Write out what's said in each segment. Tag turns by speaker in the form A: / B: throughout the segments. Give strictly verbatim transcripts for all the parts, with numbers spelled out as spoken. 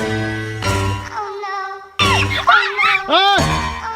A: เอ้ย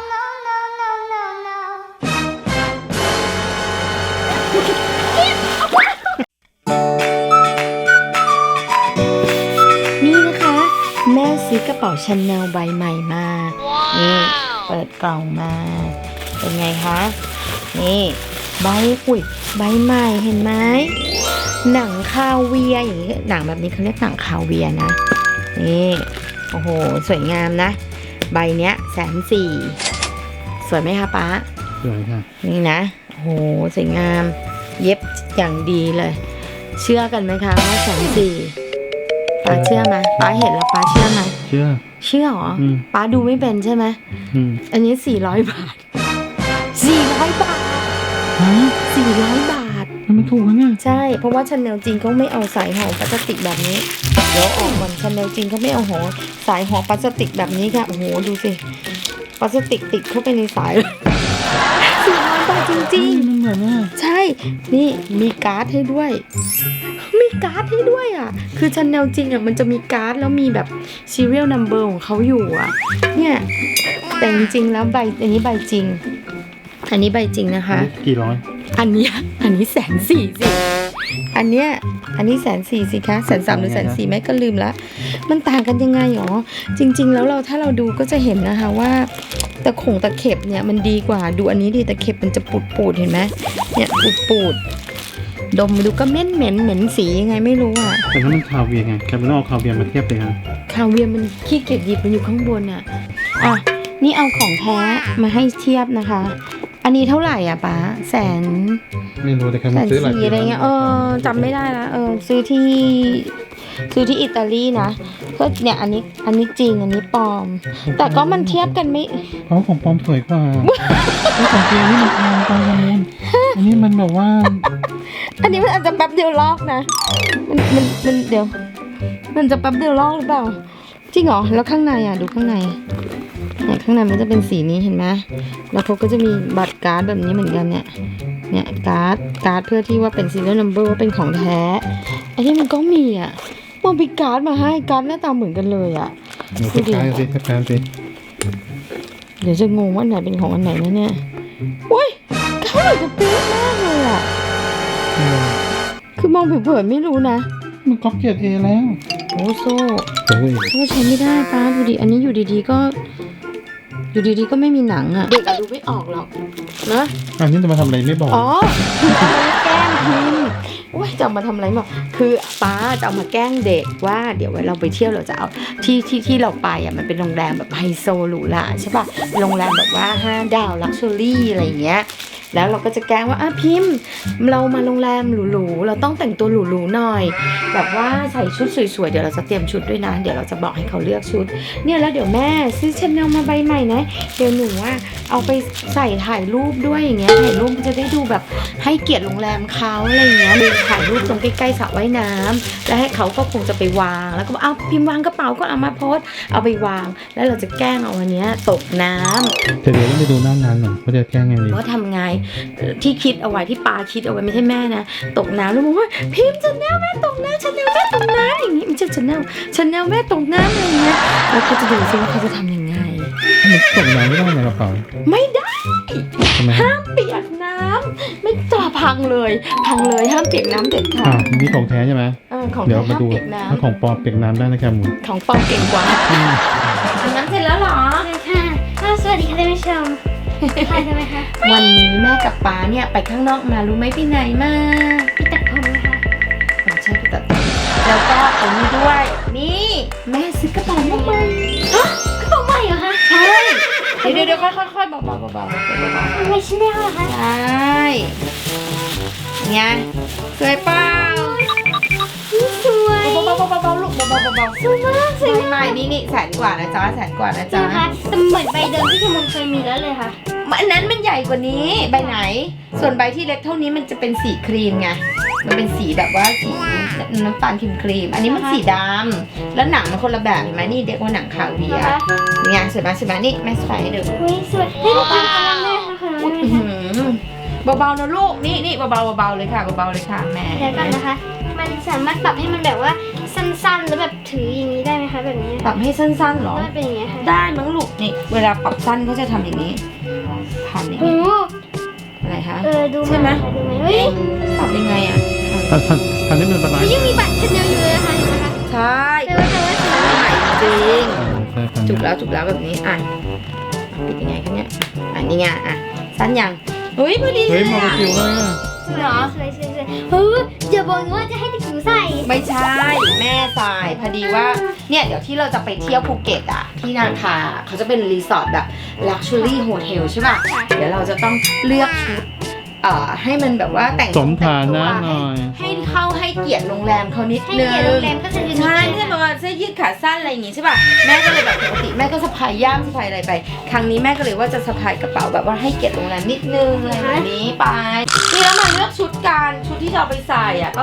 B: นี่นะคะแม่ซื้อกระเป๋าชาแนลใบใหม่มานี่เปิดกล่องมาเป็นไงคะนี่ใบอุ้ยใบใหม่เห็นไหมหนังคาเวียอย่างนี้หนังแบบนี้เขาเรียกหนังคาเวียนะนี่โอ้โหสวยงามนะใบเนี้ยแสนสี่สวยไหมคะป๊า
A: สวยค่ะ
B: นี่นะโอ้โหสวยงามเย็บอย่างดีเลยเชื่อกันไหมคะว่าแสนสี่ป้าเชื่อไหมป้าเห็นแล้วป้าเชื่อไหม
A: เชื่อ
B: เชื่อเหรอป้าดูไม่เป็นใช่ไหมอันนี้สี่ร้อยบาทสี่ร้อยบาทสี่ร้อยบาท
A: มันถูกนะเนี่ย
B: ใช่เพราะว่าชาแนลจริงเขาไม่เอาสายห่อพลาสติกแบบนี้เดี๋ยวออกก่อนชาแนลจริงเขาไม่เอาห่อสายห่อพลาสติกแบบนี้ค่ะโอ้โหดูสิพลาสติกติดเข้าไปในสายสี่ร้อยบาทจริงๆ
A: มันเหมือนว่า
B: ใช่นี่มีการ์ดให้ด้วยมีการ์ดให้ด้วยอ่ะคือชาแนลจริงอ่ะมันจะมีการ์ดแล้วมีแบบ serial number ของเขาอยู่อ่ะเนี่ยแต่จริงๆแล้วใบอันนี้ใบจริงอันนี้ใบจริงนะคะ
A: กี่ร้อย
B: อันนี้อันนี้แสนสี่สิอันเนี้ยอันนี้แสนสี่สิคะแสนสามหรือแสนสี่แม่ก็ลืมละมันต่างกันยังไงหรอจริงๆแล้วเราถ้าเราดูก็จะเห็นนะคะว่าตะขงตะเข็บเนี่ยมันดีกว่าดูอันนี้ดิตะเข็บมันจะปูดปูดเห็นไหมเนี่ยปูดปูดดมดูก็เหม็นเหม็นเหม็นสียังไงไม่รู้อ่ะ
A: แต่ถ้ามันคาเวียไงแค่ไม่ต้องเอาคาเวียมาเทียบเลยครับ
B: คาเวียมันขี้เกียจหยิบมันอยู่ข้างบนอ่ะอ่ะนี่เอาของแท้มาให้เทียบนะคะอันนี้เท่าไหร่อ่ะป้าแสน
A: ไม่รู้แต่แค่
B: มา
A: ซื้อหลาย
B: อะไรเงี้ยเออจำไม่ได้ละเออซื้อที่ซื้อที่อิตาลีนะก็เนี่ยอันนี้อันนี้จริงอันนี้ปลอมแต่ก็มันเทียบกันไม่
A: เพราะของปลอมสวยกว่าที่ของจริงนี่มันปลอมตอนนี้อันนี้มันแบบว่า
B: อันนี้มันอาจจะแป๊บเดียวลอกนะมันมันมันเดี๋ยวมันจะแป๊บเดียวลอกหรือเปล่าจริงเหรอแล้วข้างในอ่ะดูข้างในเนี่ยข้างในมันจะเป็นสีนี้เห็นไหมแล้วเขาก็จะมีบัตรการ์ดแบบนี้เหมือนกันเนี่ยเนี่ยการ์ดการ์ดเพื่อที่ว่าเป็น serial number ว่าเป็นของแท้ไอ้ที่มันก็มีอ่ะมันมีการ์ดมาให้การ์ดหน้าตาเหมือนกันเลยอ่ะ
A: ดูดิสิแป๊บสิ
B: เดี๋ยวจะงงว่าไหนเป็นของอันไหนนะเนี่ยโอ้ยเขาเหมือนกับเป๊ะมากเลยอ่ะคือมองเผินๆไม่รู้นะ
A: มันก๊อปเกียร์เอแล้ว
B: โอ้โซ่โซ่ใช้ไม่ได้ป้าดูดิอันนี้อยู่ดีๆก็อยู่ดีๆก็ไม่มีหนังอ่ะเด็กอะดูไม่ออกหรอกนะ
A: อันนี้จะมาทำอะไรไม่บอก
B: อ๋อคือเอามาแกล้งพิมพ์โอ้ยจะมาทำอะไรบอกคือป้าจะเอามาแกล้งเด็กว่าเดี๋ยวเราไปเที่ยวเราจะเอาที่ที่ที่เราไปอ่ะมันเป็นโรงแรมแบบไฮโซหรูหราใช่ป่ะโรงแรมแบบว่าห้าดาวลักชัวรี่อะไรอย่างเงี้ยแล้วเราก็จะแกล้งว่าอ่ะพิมพ์เรามาโรงแรมหรูๆเราต้องแต่งตัวหรูๆหน่อยแบบว่าใส่ชุดสวยๆเดี๋ยวเราจะเตรียมชุดด้วยนะเดี๋ยวเราจะบอกให้เขาเลือกชุดเนี่ยแล้วเดี๋ยวแม่ซื้อชาแนลมาใบใหม่นะเดี๋ยวหนูว่าเอาไปใส่ถ่ายรูปด้วยอย่างเงี้ยถ่ายรูปมันจะได้ดูแบบให้เกียรติโรงแรมเขาอะไรอย่างเงี้ยมีถ่ายรูปตรงใกล้ๆสระว่ายน้ำแล้วให้เขาก็คงจะไปวางแล้วก็เอาพิมพ์วางกระเป๋าก็เอามาโพสเอาไปวางแล้วเราจะแกล้งเอาอันเนี้ยตกน้ำ
A: เดี๋ยวต้องไปดูหน้างานหน่อยว่าจะแกล้งไงดี
B: ว่าทำไงที่คิดเอาไว้ที่ปาคิดเอาไว้ไม่ใช่แม่นะตกน้ำแล้วบอกว่าพิมพ์ชาแนลแม่ตกน้ำชาแนลแม่ตกน้ำอย่างนี้ไม่ใช่ชาแนลชาแนลแม่ตกน้ำอะไรเงี้ยแล้วก็จะดูซิว่าเขาจะทำยังไง
A: มันตกน้ำไม่ได้ในกระเป๋า
B: ไม่ได้ห้ามเปียกน้ำไม่จะพังเลยพังเลยห้ามเปียกน้ำเด็ดขาด
A: นี่ของแท้ใช่ไหม
B: เดี๋ยว
A: มาดูถ้าของปลอมเปียกน้ำได้นะครับหมู
B: ของปลอมเก่งกว่าอันนั้นเสร็จแล้วหรอ
C: ค่ะสวัสดีค่ะท่านผู้ชมค่ะทำไมคะ
B: วันนี้แม่กับป๊าเนี่ยไปข้างนอกมารู้ไหมไปไหนมา
C: ไปตัดผมนะคะ
B: อ๋อใช่ไปตัดผมแล้วก็เอานี่ด้วยนี่แม่ซื้อกระเป๋าใหม่
C: ฮะกระเป๋าใหม่เหรอคะ
B: ใช่เดี๋ยวเดี๋ยวค่อยๆค่อยๆเบาๆเบาๆเบา
C: ๆไม่ใช่แนวเหรอคะ
B: ใช่ไงสวยเปล่า
C: สวย
B: เบาๆเบาๆลูกเบาๆเบา
C: ๆสวยมากสวย
B: ใหม่นี่นี่แสนกว่านะจ๊ะแสนกว่านะจ๊ะ
C: แต่เหมือนใบเดิมที่ขมลเคยมีแล้วเลยค่ะ
B: อันนั้นมันใหญ่กว่านี้ใบไหนส่วนใบที่เล็กเท่านี้มันจะเป็นสีครีมไงมันเป็นสีแบบว่าสีน้ำตาลครีมครีมอันนี้มันสีดำแล้วหนังมันคนละแบบเห็นไหมนี่เรียกว่าหนังคาเวียร์ไงสวยมากสวยมากนี่แม่ใส่ให้ดู
C: สวยให้ดูเป็นอะไรแม่ค่ะ
B: เบาๆนะลูกนี่นี่เบาๆเบาๆเลยค่ะเบาๆเลยค่ะแม่
C: เดี๋ยวกันนะคะมันสามารถปรับให้มันแบบว่าสั้นๆแล้วแบบถืออย่างนี้ได้ไหมคะแบบนี้
B: ปรับให้สั้นๆหรอ
C: ก็เป็นอย่างนี้ยค่ะ
B: ได้มั้งลูกนี่เวลาปรับสั้นเขาจะทำอย่างนี้ผ่านอย่าง
C: โอ้
B: นี้อะไรคะ
C: เออดู
B: ใช่ไหม
C: ดูไหมเฮ้ย
B: ปรับยังไงอ่ะ
A: ทันทันทันนี้เป็นอะไร
C: ยังมีบัตรชแนลอยู่เลยนะคะเห็นไหมคะ
B: ใช่
C: แต่ว่าแต่ว่า
B: ใหม่จริง
A: ใช่ทัน
B: จุกแล้วจุกแล้วแบบนี้อ่ะปิดยังไงคะเนี่ยอ่ะนี่ไงอ่ะสั้นยังเฮ้ยพอดีเล
A: เฮ้ย
B: ย
A: มอง
B: อ่ะ
A: คิวเลยอ่ะ
B: เหรอ
C: สวยสวยสวยเฮ้ยอย่าบอกนะว่าจะให้เด็กจิ๋วใส่
B: ไม่ใช่แม่ทรายพอดีว่าเนี่ยเดี๋ยวที่เราจะไปเที่ยวภูเก็ตอ่ะที่นาคาเขาจะเป็นรีสอร์ทแบบ Luxury Hotel ใช่ป่ะเดี๋ยวเราจะต้องเลือกชุดเอ่อให้มันแบบว่าแต่ง
A: สมฐานะ
B: แต่ง
A: ห
B: ตัว
A: น่อย
B: ให้ให้เข้าให้เกียรติโรงแรมเขานิด
C: ให้
B: นึง
C: เกียรติโรงแรมก็จะยืน
B: ใช่ไม่ใช่แบบว่าเสื้อยืดขาสั้นอะไรอย่างงี้ใช่ป่ะแม่ก็เลยแบบปกติแม่ก็สะพายย่ามสะพายอะไรไป ครั้งนี้แม่ก็เลยว่าจะสะพายกระเป๋าแบบว่าให้เกียรติโรงแรมนิดนึงอะไรแบบนี้ไปนี่แล้วมาเลือกชุดกันชุดที่จะเอาไปใส่อ่ะก็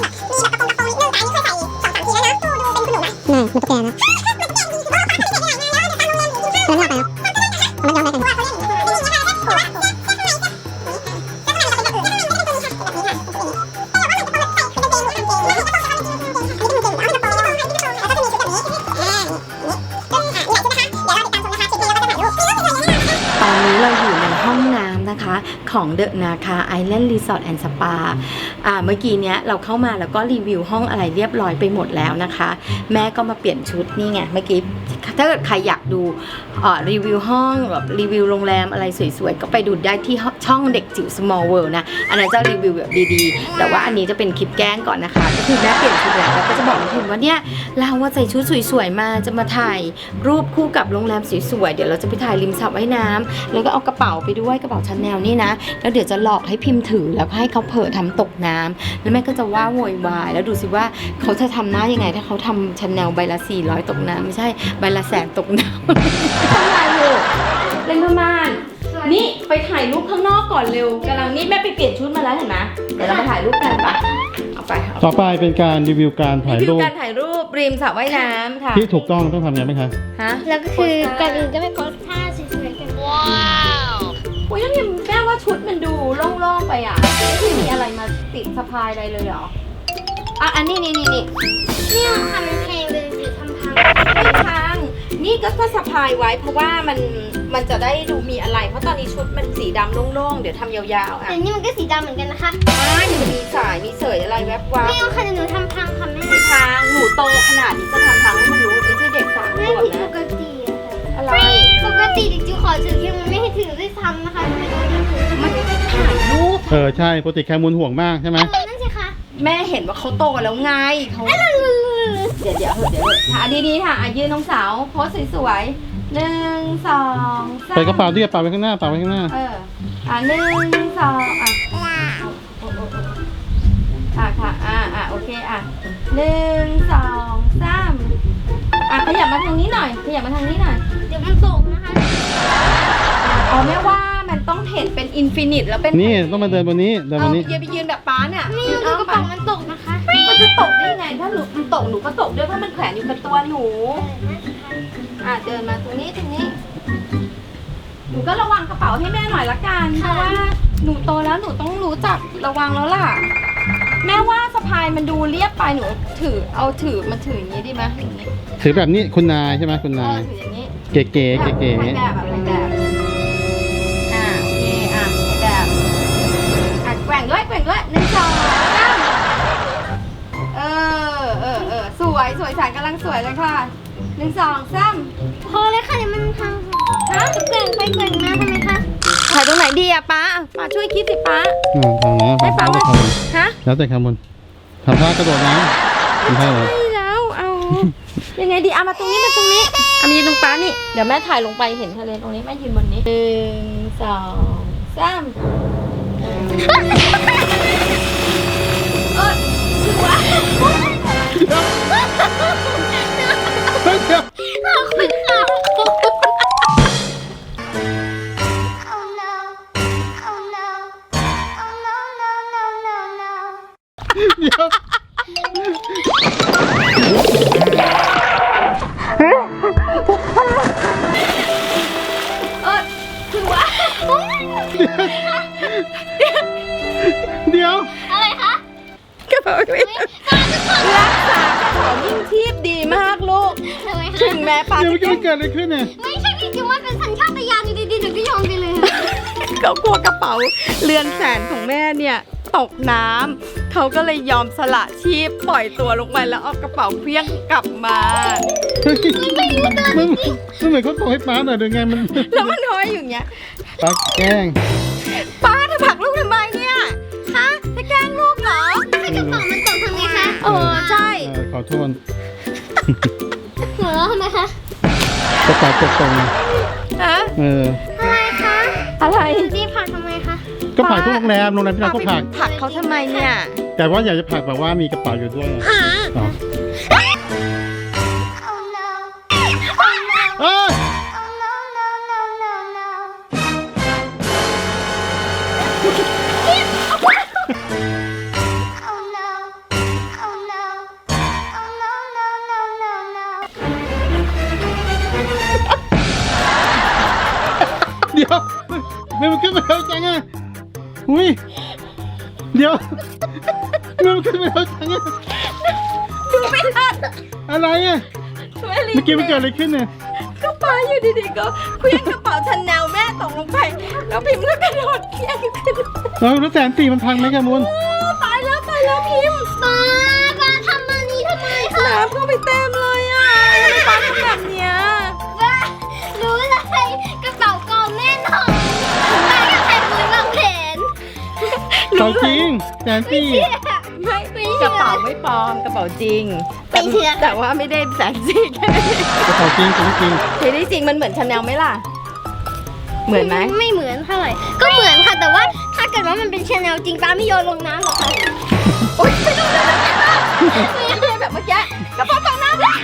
B: ตอนนี้เราอยู่ในห้องน้ำนะคะของเดอะนาคาไอแลนด์รีสอร์ทแอนด์สปาอ่าเมื่อกี้เนี้ยเราเข้ามาแล้วก็รีวิวห้องอะไรเรียบร้อยไปหมดแล้วนะคะ แม่ก็มาเปลี่ยนชุดนี่ไงเมื่อกี้ถ้าเกิดใครอยากดูเอ่อรีวิวห้องแบบรีวิวโรงแรมอะไรสวยๆก็ไปดูได้ที่ช่องเด็กจิ๋ว small world นะอันนั้นจะรีวิวแบบดีๆแต่ว่าอันนี้จะเป็นคลิปแกล้งก่อนนะคะก็คือแม่เปลี่ยนชุดแล้วแล้วก็จะบอกน้องพิมว่าเนี่ยเราว่าใส่ชุดสวยๆมาจะมาถ่ายรูปคู่กับโรงแรมสวยๆเดี๋ยวเราจะไปถ่ายริมสระว่ายน้ำแล้วก็เอากระเป๋าไปด้วยกระเป๋าชาแนลนี่นะแล้วเดี๋ยวจะหลอกให้พิมพ์ถือแล้วก็ให้เขาเผลอทำตกน้ำแล้วแม่ก็จะว่าโวยวายแล้วดูสิว่าเขาจะทำหน้ายังไงถ้าเขาทำชาแนลใบละสี่ร้อยตกน้ำไม่ใช่ใบละแสนตกน้ำ ทำไรลูกเล่นพม่านนี่ไปถ่ายรูปข้างนอกก่อนเร็วกำลังนี่แม่ไปเปลี่ยนชุดมาแล้วเห็นไหมเดี๋ยวเรามาถ่ายรูปกันปะเอาไปเอา
A: ต่อไปเป็นการรีวิวการถ่าย
B: รีวิ
A: รู
B: ว
A: ป
B: การถ่ายรูปริมสระว่ายน้ำค่ะ
A: ที่ถูกต้องต้องทำยังไงไหมคะ
B: ฮะ
C: แล้วก็คือก่อนอื่นก็ไปโพสท่าสวยๆกันว้าว
B: โอ้ยแล้วเนี่ยแม่ว่าชุดมันดูโล่งๆไปอ่ะไม่มีอะไรมาติดสะพายอะไรเลยเหรออ่ะอันนี้นี่นี่นี่
C: เนี่ยทำเป็นเพลงเลยหรือทำพัง
B: ไม่พังนี่ก็ก็สะพายไว้เพราะว่ามันมันจะได้ดูมีอะไร เพราะตอนนี้ชุดมันสีดำโล่งๆเดี๋ยวทำยาวๆอ่ะ
C: แต่นี่มันก็สีดำเหมือนกันนะคะ
B: ไม่มันจะมีสายมีเสยอะไรแวบวับ
C: ไม่เอาค่ะเดี๋ยวหนูทำพังค่ะแม่
B: ทางหนูโตขนาดนี้จะทำทางให้มันรู้ไม่ใช่เด็กสามข
C: ไม่
B: วบ
C: ผิดป
B: นะ
C: กติอะค่ะ
B: อะไร
C: ปกติเด็กจิ๋วขอถือเพียงมันไม่ให้ถือด้วยซ้ำนะคะทำไมต้องให้ถือ
B: มันถ่ายรูป
A: เออใช่ปกติแคมูลห่วงมากใช่ไหม
C: นั่นสิคะ
B: แม่เห็นว่าเขาโตแล้วไงเขาเดี๋ยวเดี๋ยวเดี๋ยวถ่ายดีๆค่ะอ่ะยืนน้องสาวโพสสวยๆหนึ่งสองสาม
A: ใส่กระเป๋าด้วยกระเป๋าไว้ข้างหน้าเป๋าไว้ข้างหน้า
B: เอออ่ะหนึ่งสองอ่ะอ่ะค่ะอ่ะอ่ะโอเคอ่ะหนึ่งสองสามอ่ะขยับมาทางนี้หน่อยขยับมาทางนี้หน่อย
C: เดี๋ยวมันตกนะคะ
B: อ๋อแม่ว่ามันต้องเห็นเป็นอินฟินิตแล้วเป็น
A: นี่ต้องมาเดินบนนี้เดินบ
B: เอา
A: น
B: ไป
A: นี้
B: ยืนไปยืนแบบป้าเนี่ย
C: นี่
B: ยืน
C: ดู
B: เอา
C: กระ
B: ไป
C: เป๋ามันตกนะคะ
B: มันจะตกได้ยังไงถ้าหนูมันตกหนูก็ตกด้วยเพราะมันแขวนอยู่กับตัวหนู อ่ะเดินมาตรงนี้ตรงนี้ หนูก็ระวังกระเป๋าให้แม่หน่อยละกันเพราะว่าหนูโตแล้วหนูต้องรู้จักระวังแล้วล่ะ แม่ว่าสะพายมันดูเรียบไปหนูถือเอาถือมันถืออย่างนี้ดีไหมอย่างนี้
A: ถือแบบนี้คุณนายใช่ไหมคุณาย
B: เอนอถืออย่างนี้
A: เก๋ๆเก๋เก๋
B: ถ่ายแบบอะถ่ายแบบอ่าโอเคอ่ะถ่ายแบบอ่ะแกว่งด้วยแกว่งด้วยหนึ่งสองสามเออเออเออสวยสวยสายกำลังสวยเลยค่ะหนึ่งสองสาม
C: พอเลยค่ะเดี๋ยวมันพังฮะแกว่งไปแกว่งมาทำไมคะ
B: ถ่ายตรงไหนดีอะป้าป้าช่วยคิดสิป้า
A: อ่าทางนี้
B: ให้
A: ทาง
B: ป้า
A: นี้
B: ว่า
A: ทางนี้
B: ฮะ
A: แล้วแต่คำบนทำท่ากระโดดน้ำไม่ใช่เหรอ
B: ใช่แล้วเอายังไงดีเอามาตรงนี้มาตรงนี้เอามายืนตรงป้านี่เดี๋ยวแม่ถ่ายลงไปเห็นทะเลตรงนี้แม่ยืนบนนี้หนึ่งสองสามเออถือว่า
A: เฮ้ยเดี๋ยว
C: ขอบคุณค่ะ Oh no Oh no Oh no no no no no
A: เดี๋ยว
B: เออถือว่า
A: เดี๋ยว
C: อะไรคะ
B: กระเป๋าไม่รักษากระเป๋านี่แม้ป้า
A: เดี๋ยว
B: จะ
A: เมื่อกี้มันเกิดอะไรขึ้นเนี่ย
C: ไม่ใช่พี่จิ๋วมันเป็นสัญชาตญาณอยู่ดีๆหนูก็โยนไปเลย
B: เขากลัวกระเป๋าเรือนแสนของแม่เนี่ยตกน้ำเขาก็เลยยอมสละชีพปล่อยตัวลงไปแล้วเอากระเป๋าเพี้ยงกลับมา
A: เฮ้ยมันมันเหมือนเขาส่งให้ป้าหน่อยหรือไงมัน
B: แล้วมันห้อยอยู่อย่างเงี้ย
A: ป้าแกล้ง
B: ป้าจะผลักลูกทำไมเนี่ยฮะจะแกล้งลูกเหรอ
C: ถ้ากระเป๋ามันตกทำไงคะ
B: เออใช่
A: เออขอโทษ
C: หัวเราะทำไมคะ
A: กระเป๋าตกตรง
B: ฮะ
A: เออ
C: อะไรคะ
B: อะไร
C: พี่ผักทำไมคะ
A: ก็ผลักทุกโรงแรมโรงแรมที่เราก็ผลัก
B: ผลักเขาทำไมเนี่ย
A: แต่ว่าอยากจะผลักแบบว่ามีกระเป๋าอยู่ด้วยอ๋อ
C: Oh no Oh no
A: เอ้ย
C: Oh no no no no no Oh no Oh no Oh no no no no no
A: เดี๋ยวมันมันขึ้นมาเร็วจังอ่ะอุ้ยเดี๋ยวมันขึ้นมาเร็วจังอ่ะ
B: ดูไม่ทัน
A: อะไรอ่ะ
B: ไม่รี
A: เมื่อกี้มันเกิดอะไรขึ้นเนี่ย
B: ก็ป้าอยู่ดีๆก็เคลื่อนกระเป๋าชันแนวแม่ตกลงไป แล้วพิมพ์ก็กระโดดเคลื่อนขึ้น
A: แล้วแล้วแสนสี่มันพังไหมแกมูล
B: ตายแล้วตายแล้วพิมพ์
C: ป้าป้าทำมันนี้ทำไมคะ
B: น้ำเข้าไปเต็มเลยอ่ะทำไมป้าทำแบบเนี้ย
C: ป้ารู้เลยกระเป๋ากองแน่นอนป้าก็ใส่มือวางแผน
A: เขาจริงแสนสี่
B: ไม่กระเป๋าไม่ปลอมกระเป๋าจริง
C: ไม่เชื่อ
B: แต่ว่าไม่ได้แสนสี่แค่นั้นเอง
A: กระเป๋าจริงจริงจริง
B: เฮ้ยจริงมันเหมือนชาแนลไหมล่ะ เหมือนไหม
C: ไม่เหมือนเท่าไหร่ ก็เหมือนค่ะ แต่ว่าถ้าเกิดว่ามันเป็นชาแนลจริงป้าไม่โยนลงน้ำหรอกค่ะ
B: โอ๊ยไม่ต้องเลยไม่ต้องแบบเมื่อกี้กระเป๋าฝั่งน้ำเลย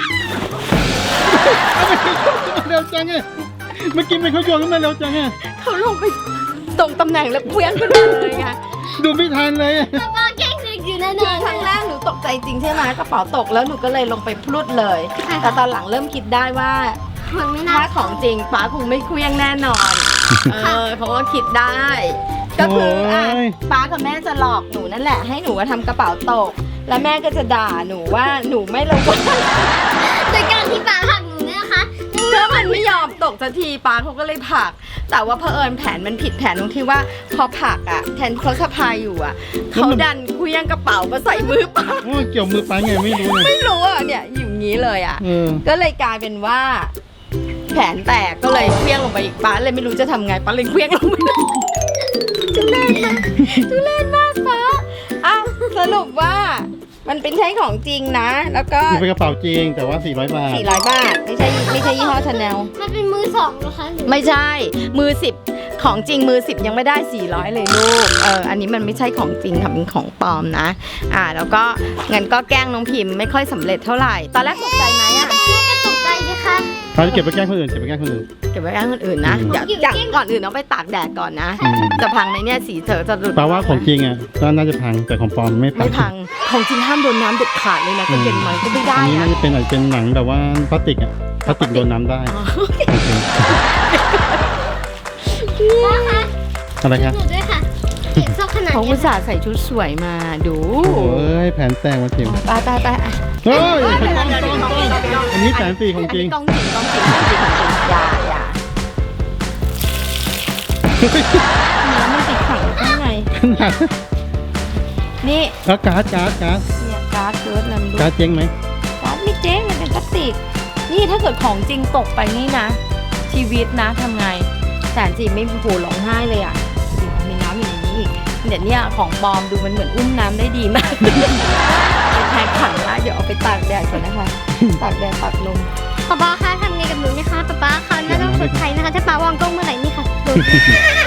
A: เร็วจังอ่ะเมื่อกี้มันเขาโยนขึ้นมาเร็วจังอ่ะ
B: เขาลงไปตรงตำแหน่งแล้วเคลื่อนขึ้นมาเลยไง
A: ดูไม่ทันเลยอะ
C: ป้าแกล้งเด็กอยู่แน่น
B: คือ
C: อน
B: ครั้งแรกหนูตกใจจริงใช่ไหมกระเป๋าตกแล้วหนูก็เลยลงไปพลุดเลย แต่ตอนหลังเริ่มคิดได้ว่า
C: มันไม่น่า
B: ถ้าของจริงป้าคงไม่เคลี้ยงแน่นอน เออเขาก็คิดได้ ก็คืออ่ะป้ากับแม่จะหลอกหนูนั่นแหละให้หนูว่าทำกระเป๋าตก แล้วแม่ก็จะด่าหนูว่าหนูไม่ระวัง
C: โดยการที่ป้าหักหนูเนี่ยนะคะ
B: ถ้ามันไม่ยอมตกสักทีป้าเขาก็เลยผลัก แต่ว่าเผอิญแผนมันผิดแผนตรงที่ว่าพอผลักอ่ะแทนเขาสะพายอยู่อ่ะเขาดันเคลี้ยงกระเป๋ามาใส่มือป้า
A: โอ้ยเกี่ยวมือไปไงไม่รู้เลย
B: ไม่รู้อ่ะเนี่ยอยู่อย่างนี้เลยอ่ะ
A: เออ
B: ก็เลยกลายเป็นว่า แผนแตกก็เลยเคลี้ยงลงไปอีกป้าเลยไม่รู้จะทำไงป้าเลยเคลี้ยงลงไปทุเรศมากทุเรศมากป้าอ่ะสรุปว่ามันเป็นใช้ของจริงนะ แล้วก็
A: มันเป็นกระเป๋าจริงแต่ว่าสี่ร้อยบาท
B: สี่ร้อยบาทไม่ใช่ไม่ใช่ยี่ห้อชาแนล
C: มันเป็นมือสองเหรอคะหรือ
B: ไม่ใช่มือสิบของจริงมือสิบยังไม่ได้สี่ร้อยเลยลูกเอออันนี้มันไม่ใช่ของจริงค่ะเป็นของปลอมนะอ่าแล้วก็งั้นก็แกล้งน้องพิมพ์ไม่ค่อยสำเร็จเท่าไหร่ตอนแรกตกใจไหมอ่ะ
C: ก็ตกใจสิคะ
A: เขาจะเก็บไปแกล้งคนอื่นเก็บไปแกล้งคนอื่น
B: เก็บไว้แกล้งคนอื่นนะ
A: อืม
B: เดี๋ยวจากก่อนอื่นเอาไปตากแดดก่อนนะ
A: อืม
B: จะพังไหมเนี่ยสีเธอจะหลุด
A: แปลว่าของจริงอ่ะก็น่าจะพังแต่ของปลอมไม่พัง
B: ไม่พังของจริงห้ามโดนน้ำเด็ดขาดเลยนะก็เย็นมันก็ไม่ได้
A: อันนี้
B: อะ
A: น่าจะเป็นอาจจะเป็นหนังแบบว่าพลาสติกอ่ะพลาสติกโดนน้ำได้
B: อ๋อ
A: โอเค
C: ป้าคะ
A: อะไรครับ
C: หนูด้วยค่ะเก็บซอกขนาด
B: เขา
C: นี้
B: อุตส่าห์ใส่ชุดสวยมาดู
A: โอ้ยแผนแตกมาจิ๋ว
B: ตายตายตายอ่ะ
A: เฮ้ย
B: เฮ้ย
A: ต้อง
B: เดี๋ยว
A: ต้อง
B: เดี๋ยว
A: ต้อง
B: เดี๋ยว
A: อันนี้แสนสี่ของจริง
B: กล้องจริงกล้องจริงกล้องจริงของจริงอย่าอย่าน้ำมันติดขังข้างใน
A: ขนาด
B: นี่
A: แล้วการ์ดการ์ดการ์ด
B: เนี่ยการ์ดเกิร์ดอะไรไม่รู้
A: การ์ดเจ๊งไหม
B: การ์ดไม่เจ๊งมันเป็นพลาสติก นี่ถ้าเกิดของจริงตกไปนี่นะ ชีวิตนะทำไงแสนจีไม่โหร้องไห้เลยอ่ะดูมีน้ำอยู่ในนี้อีกเดี๋ยวเนี่ยของปลอมดูมันเหมือนอุ้มน้ำได้ดีมาก ไปแทนขันละเดี๋ยวเอาไปตากแดดก่อนนะคะ ตากแดดตากลม
C: ป๊าป๊าคะทำไงกับหนูเนี่ยคะป๊าป๊าคะน่าต้องชดใช้นะคะ ถ้าป๊าวางกล้องเมื่อไหร่นี่ค่ะโดน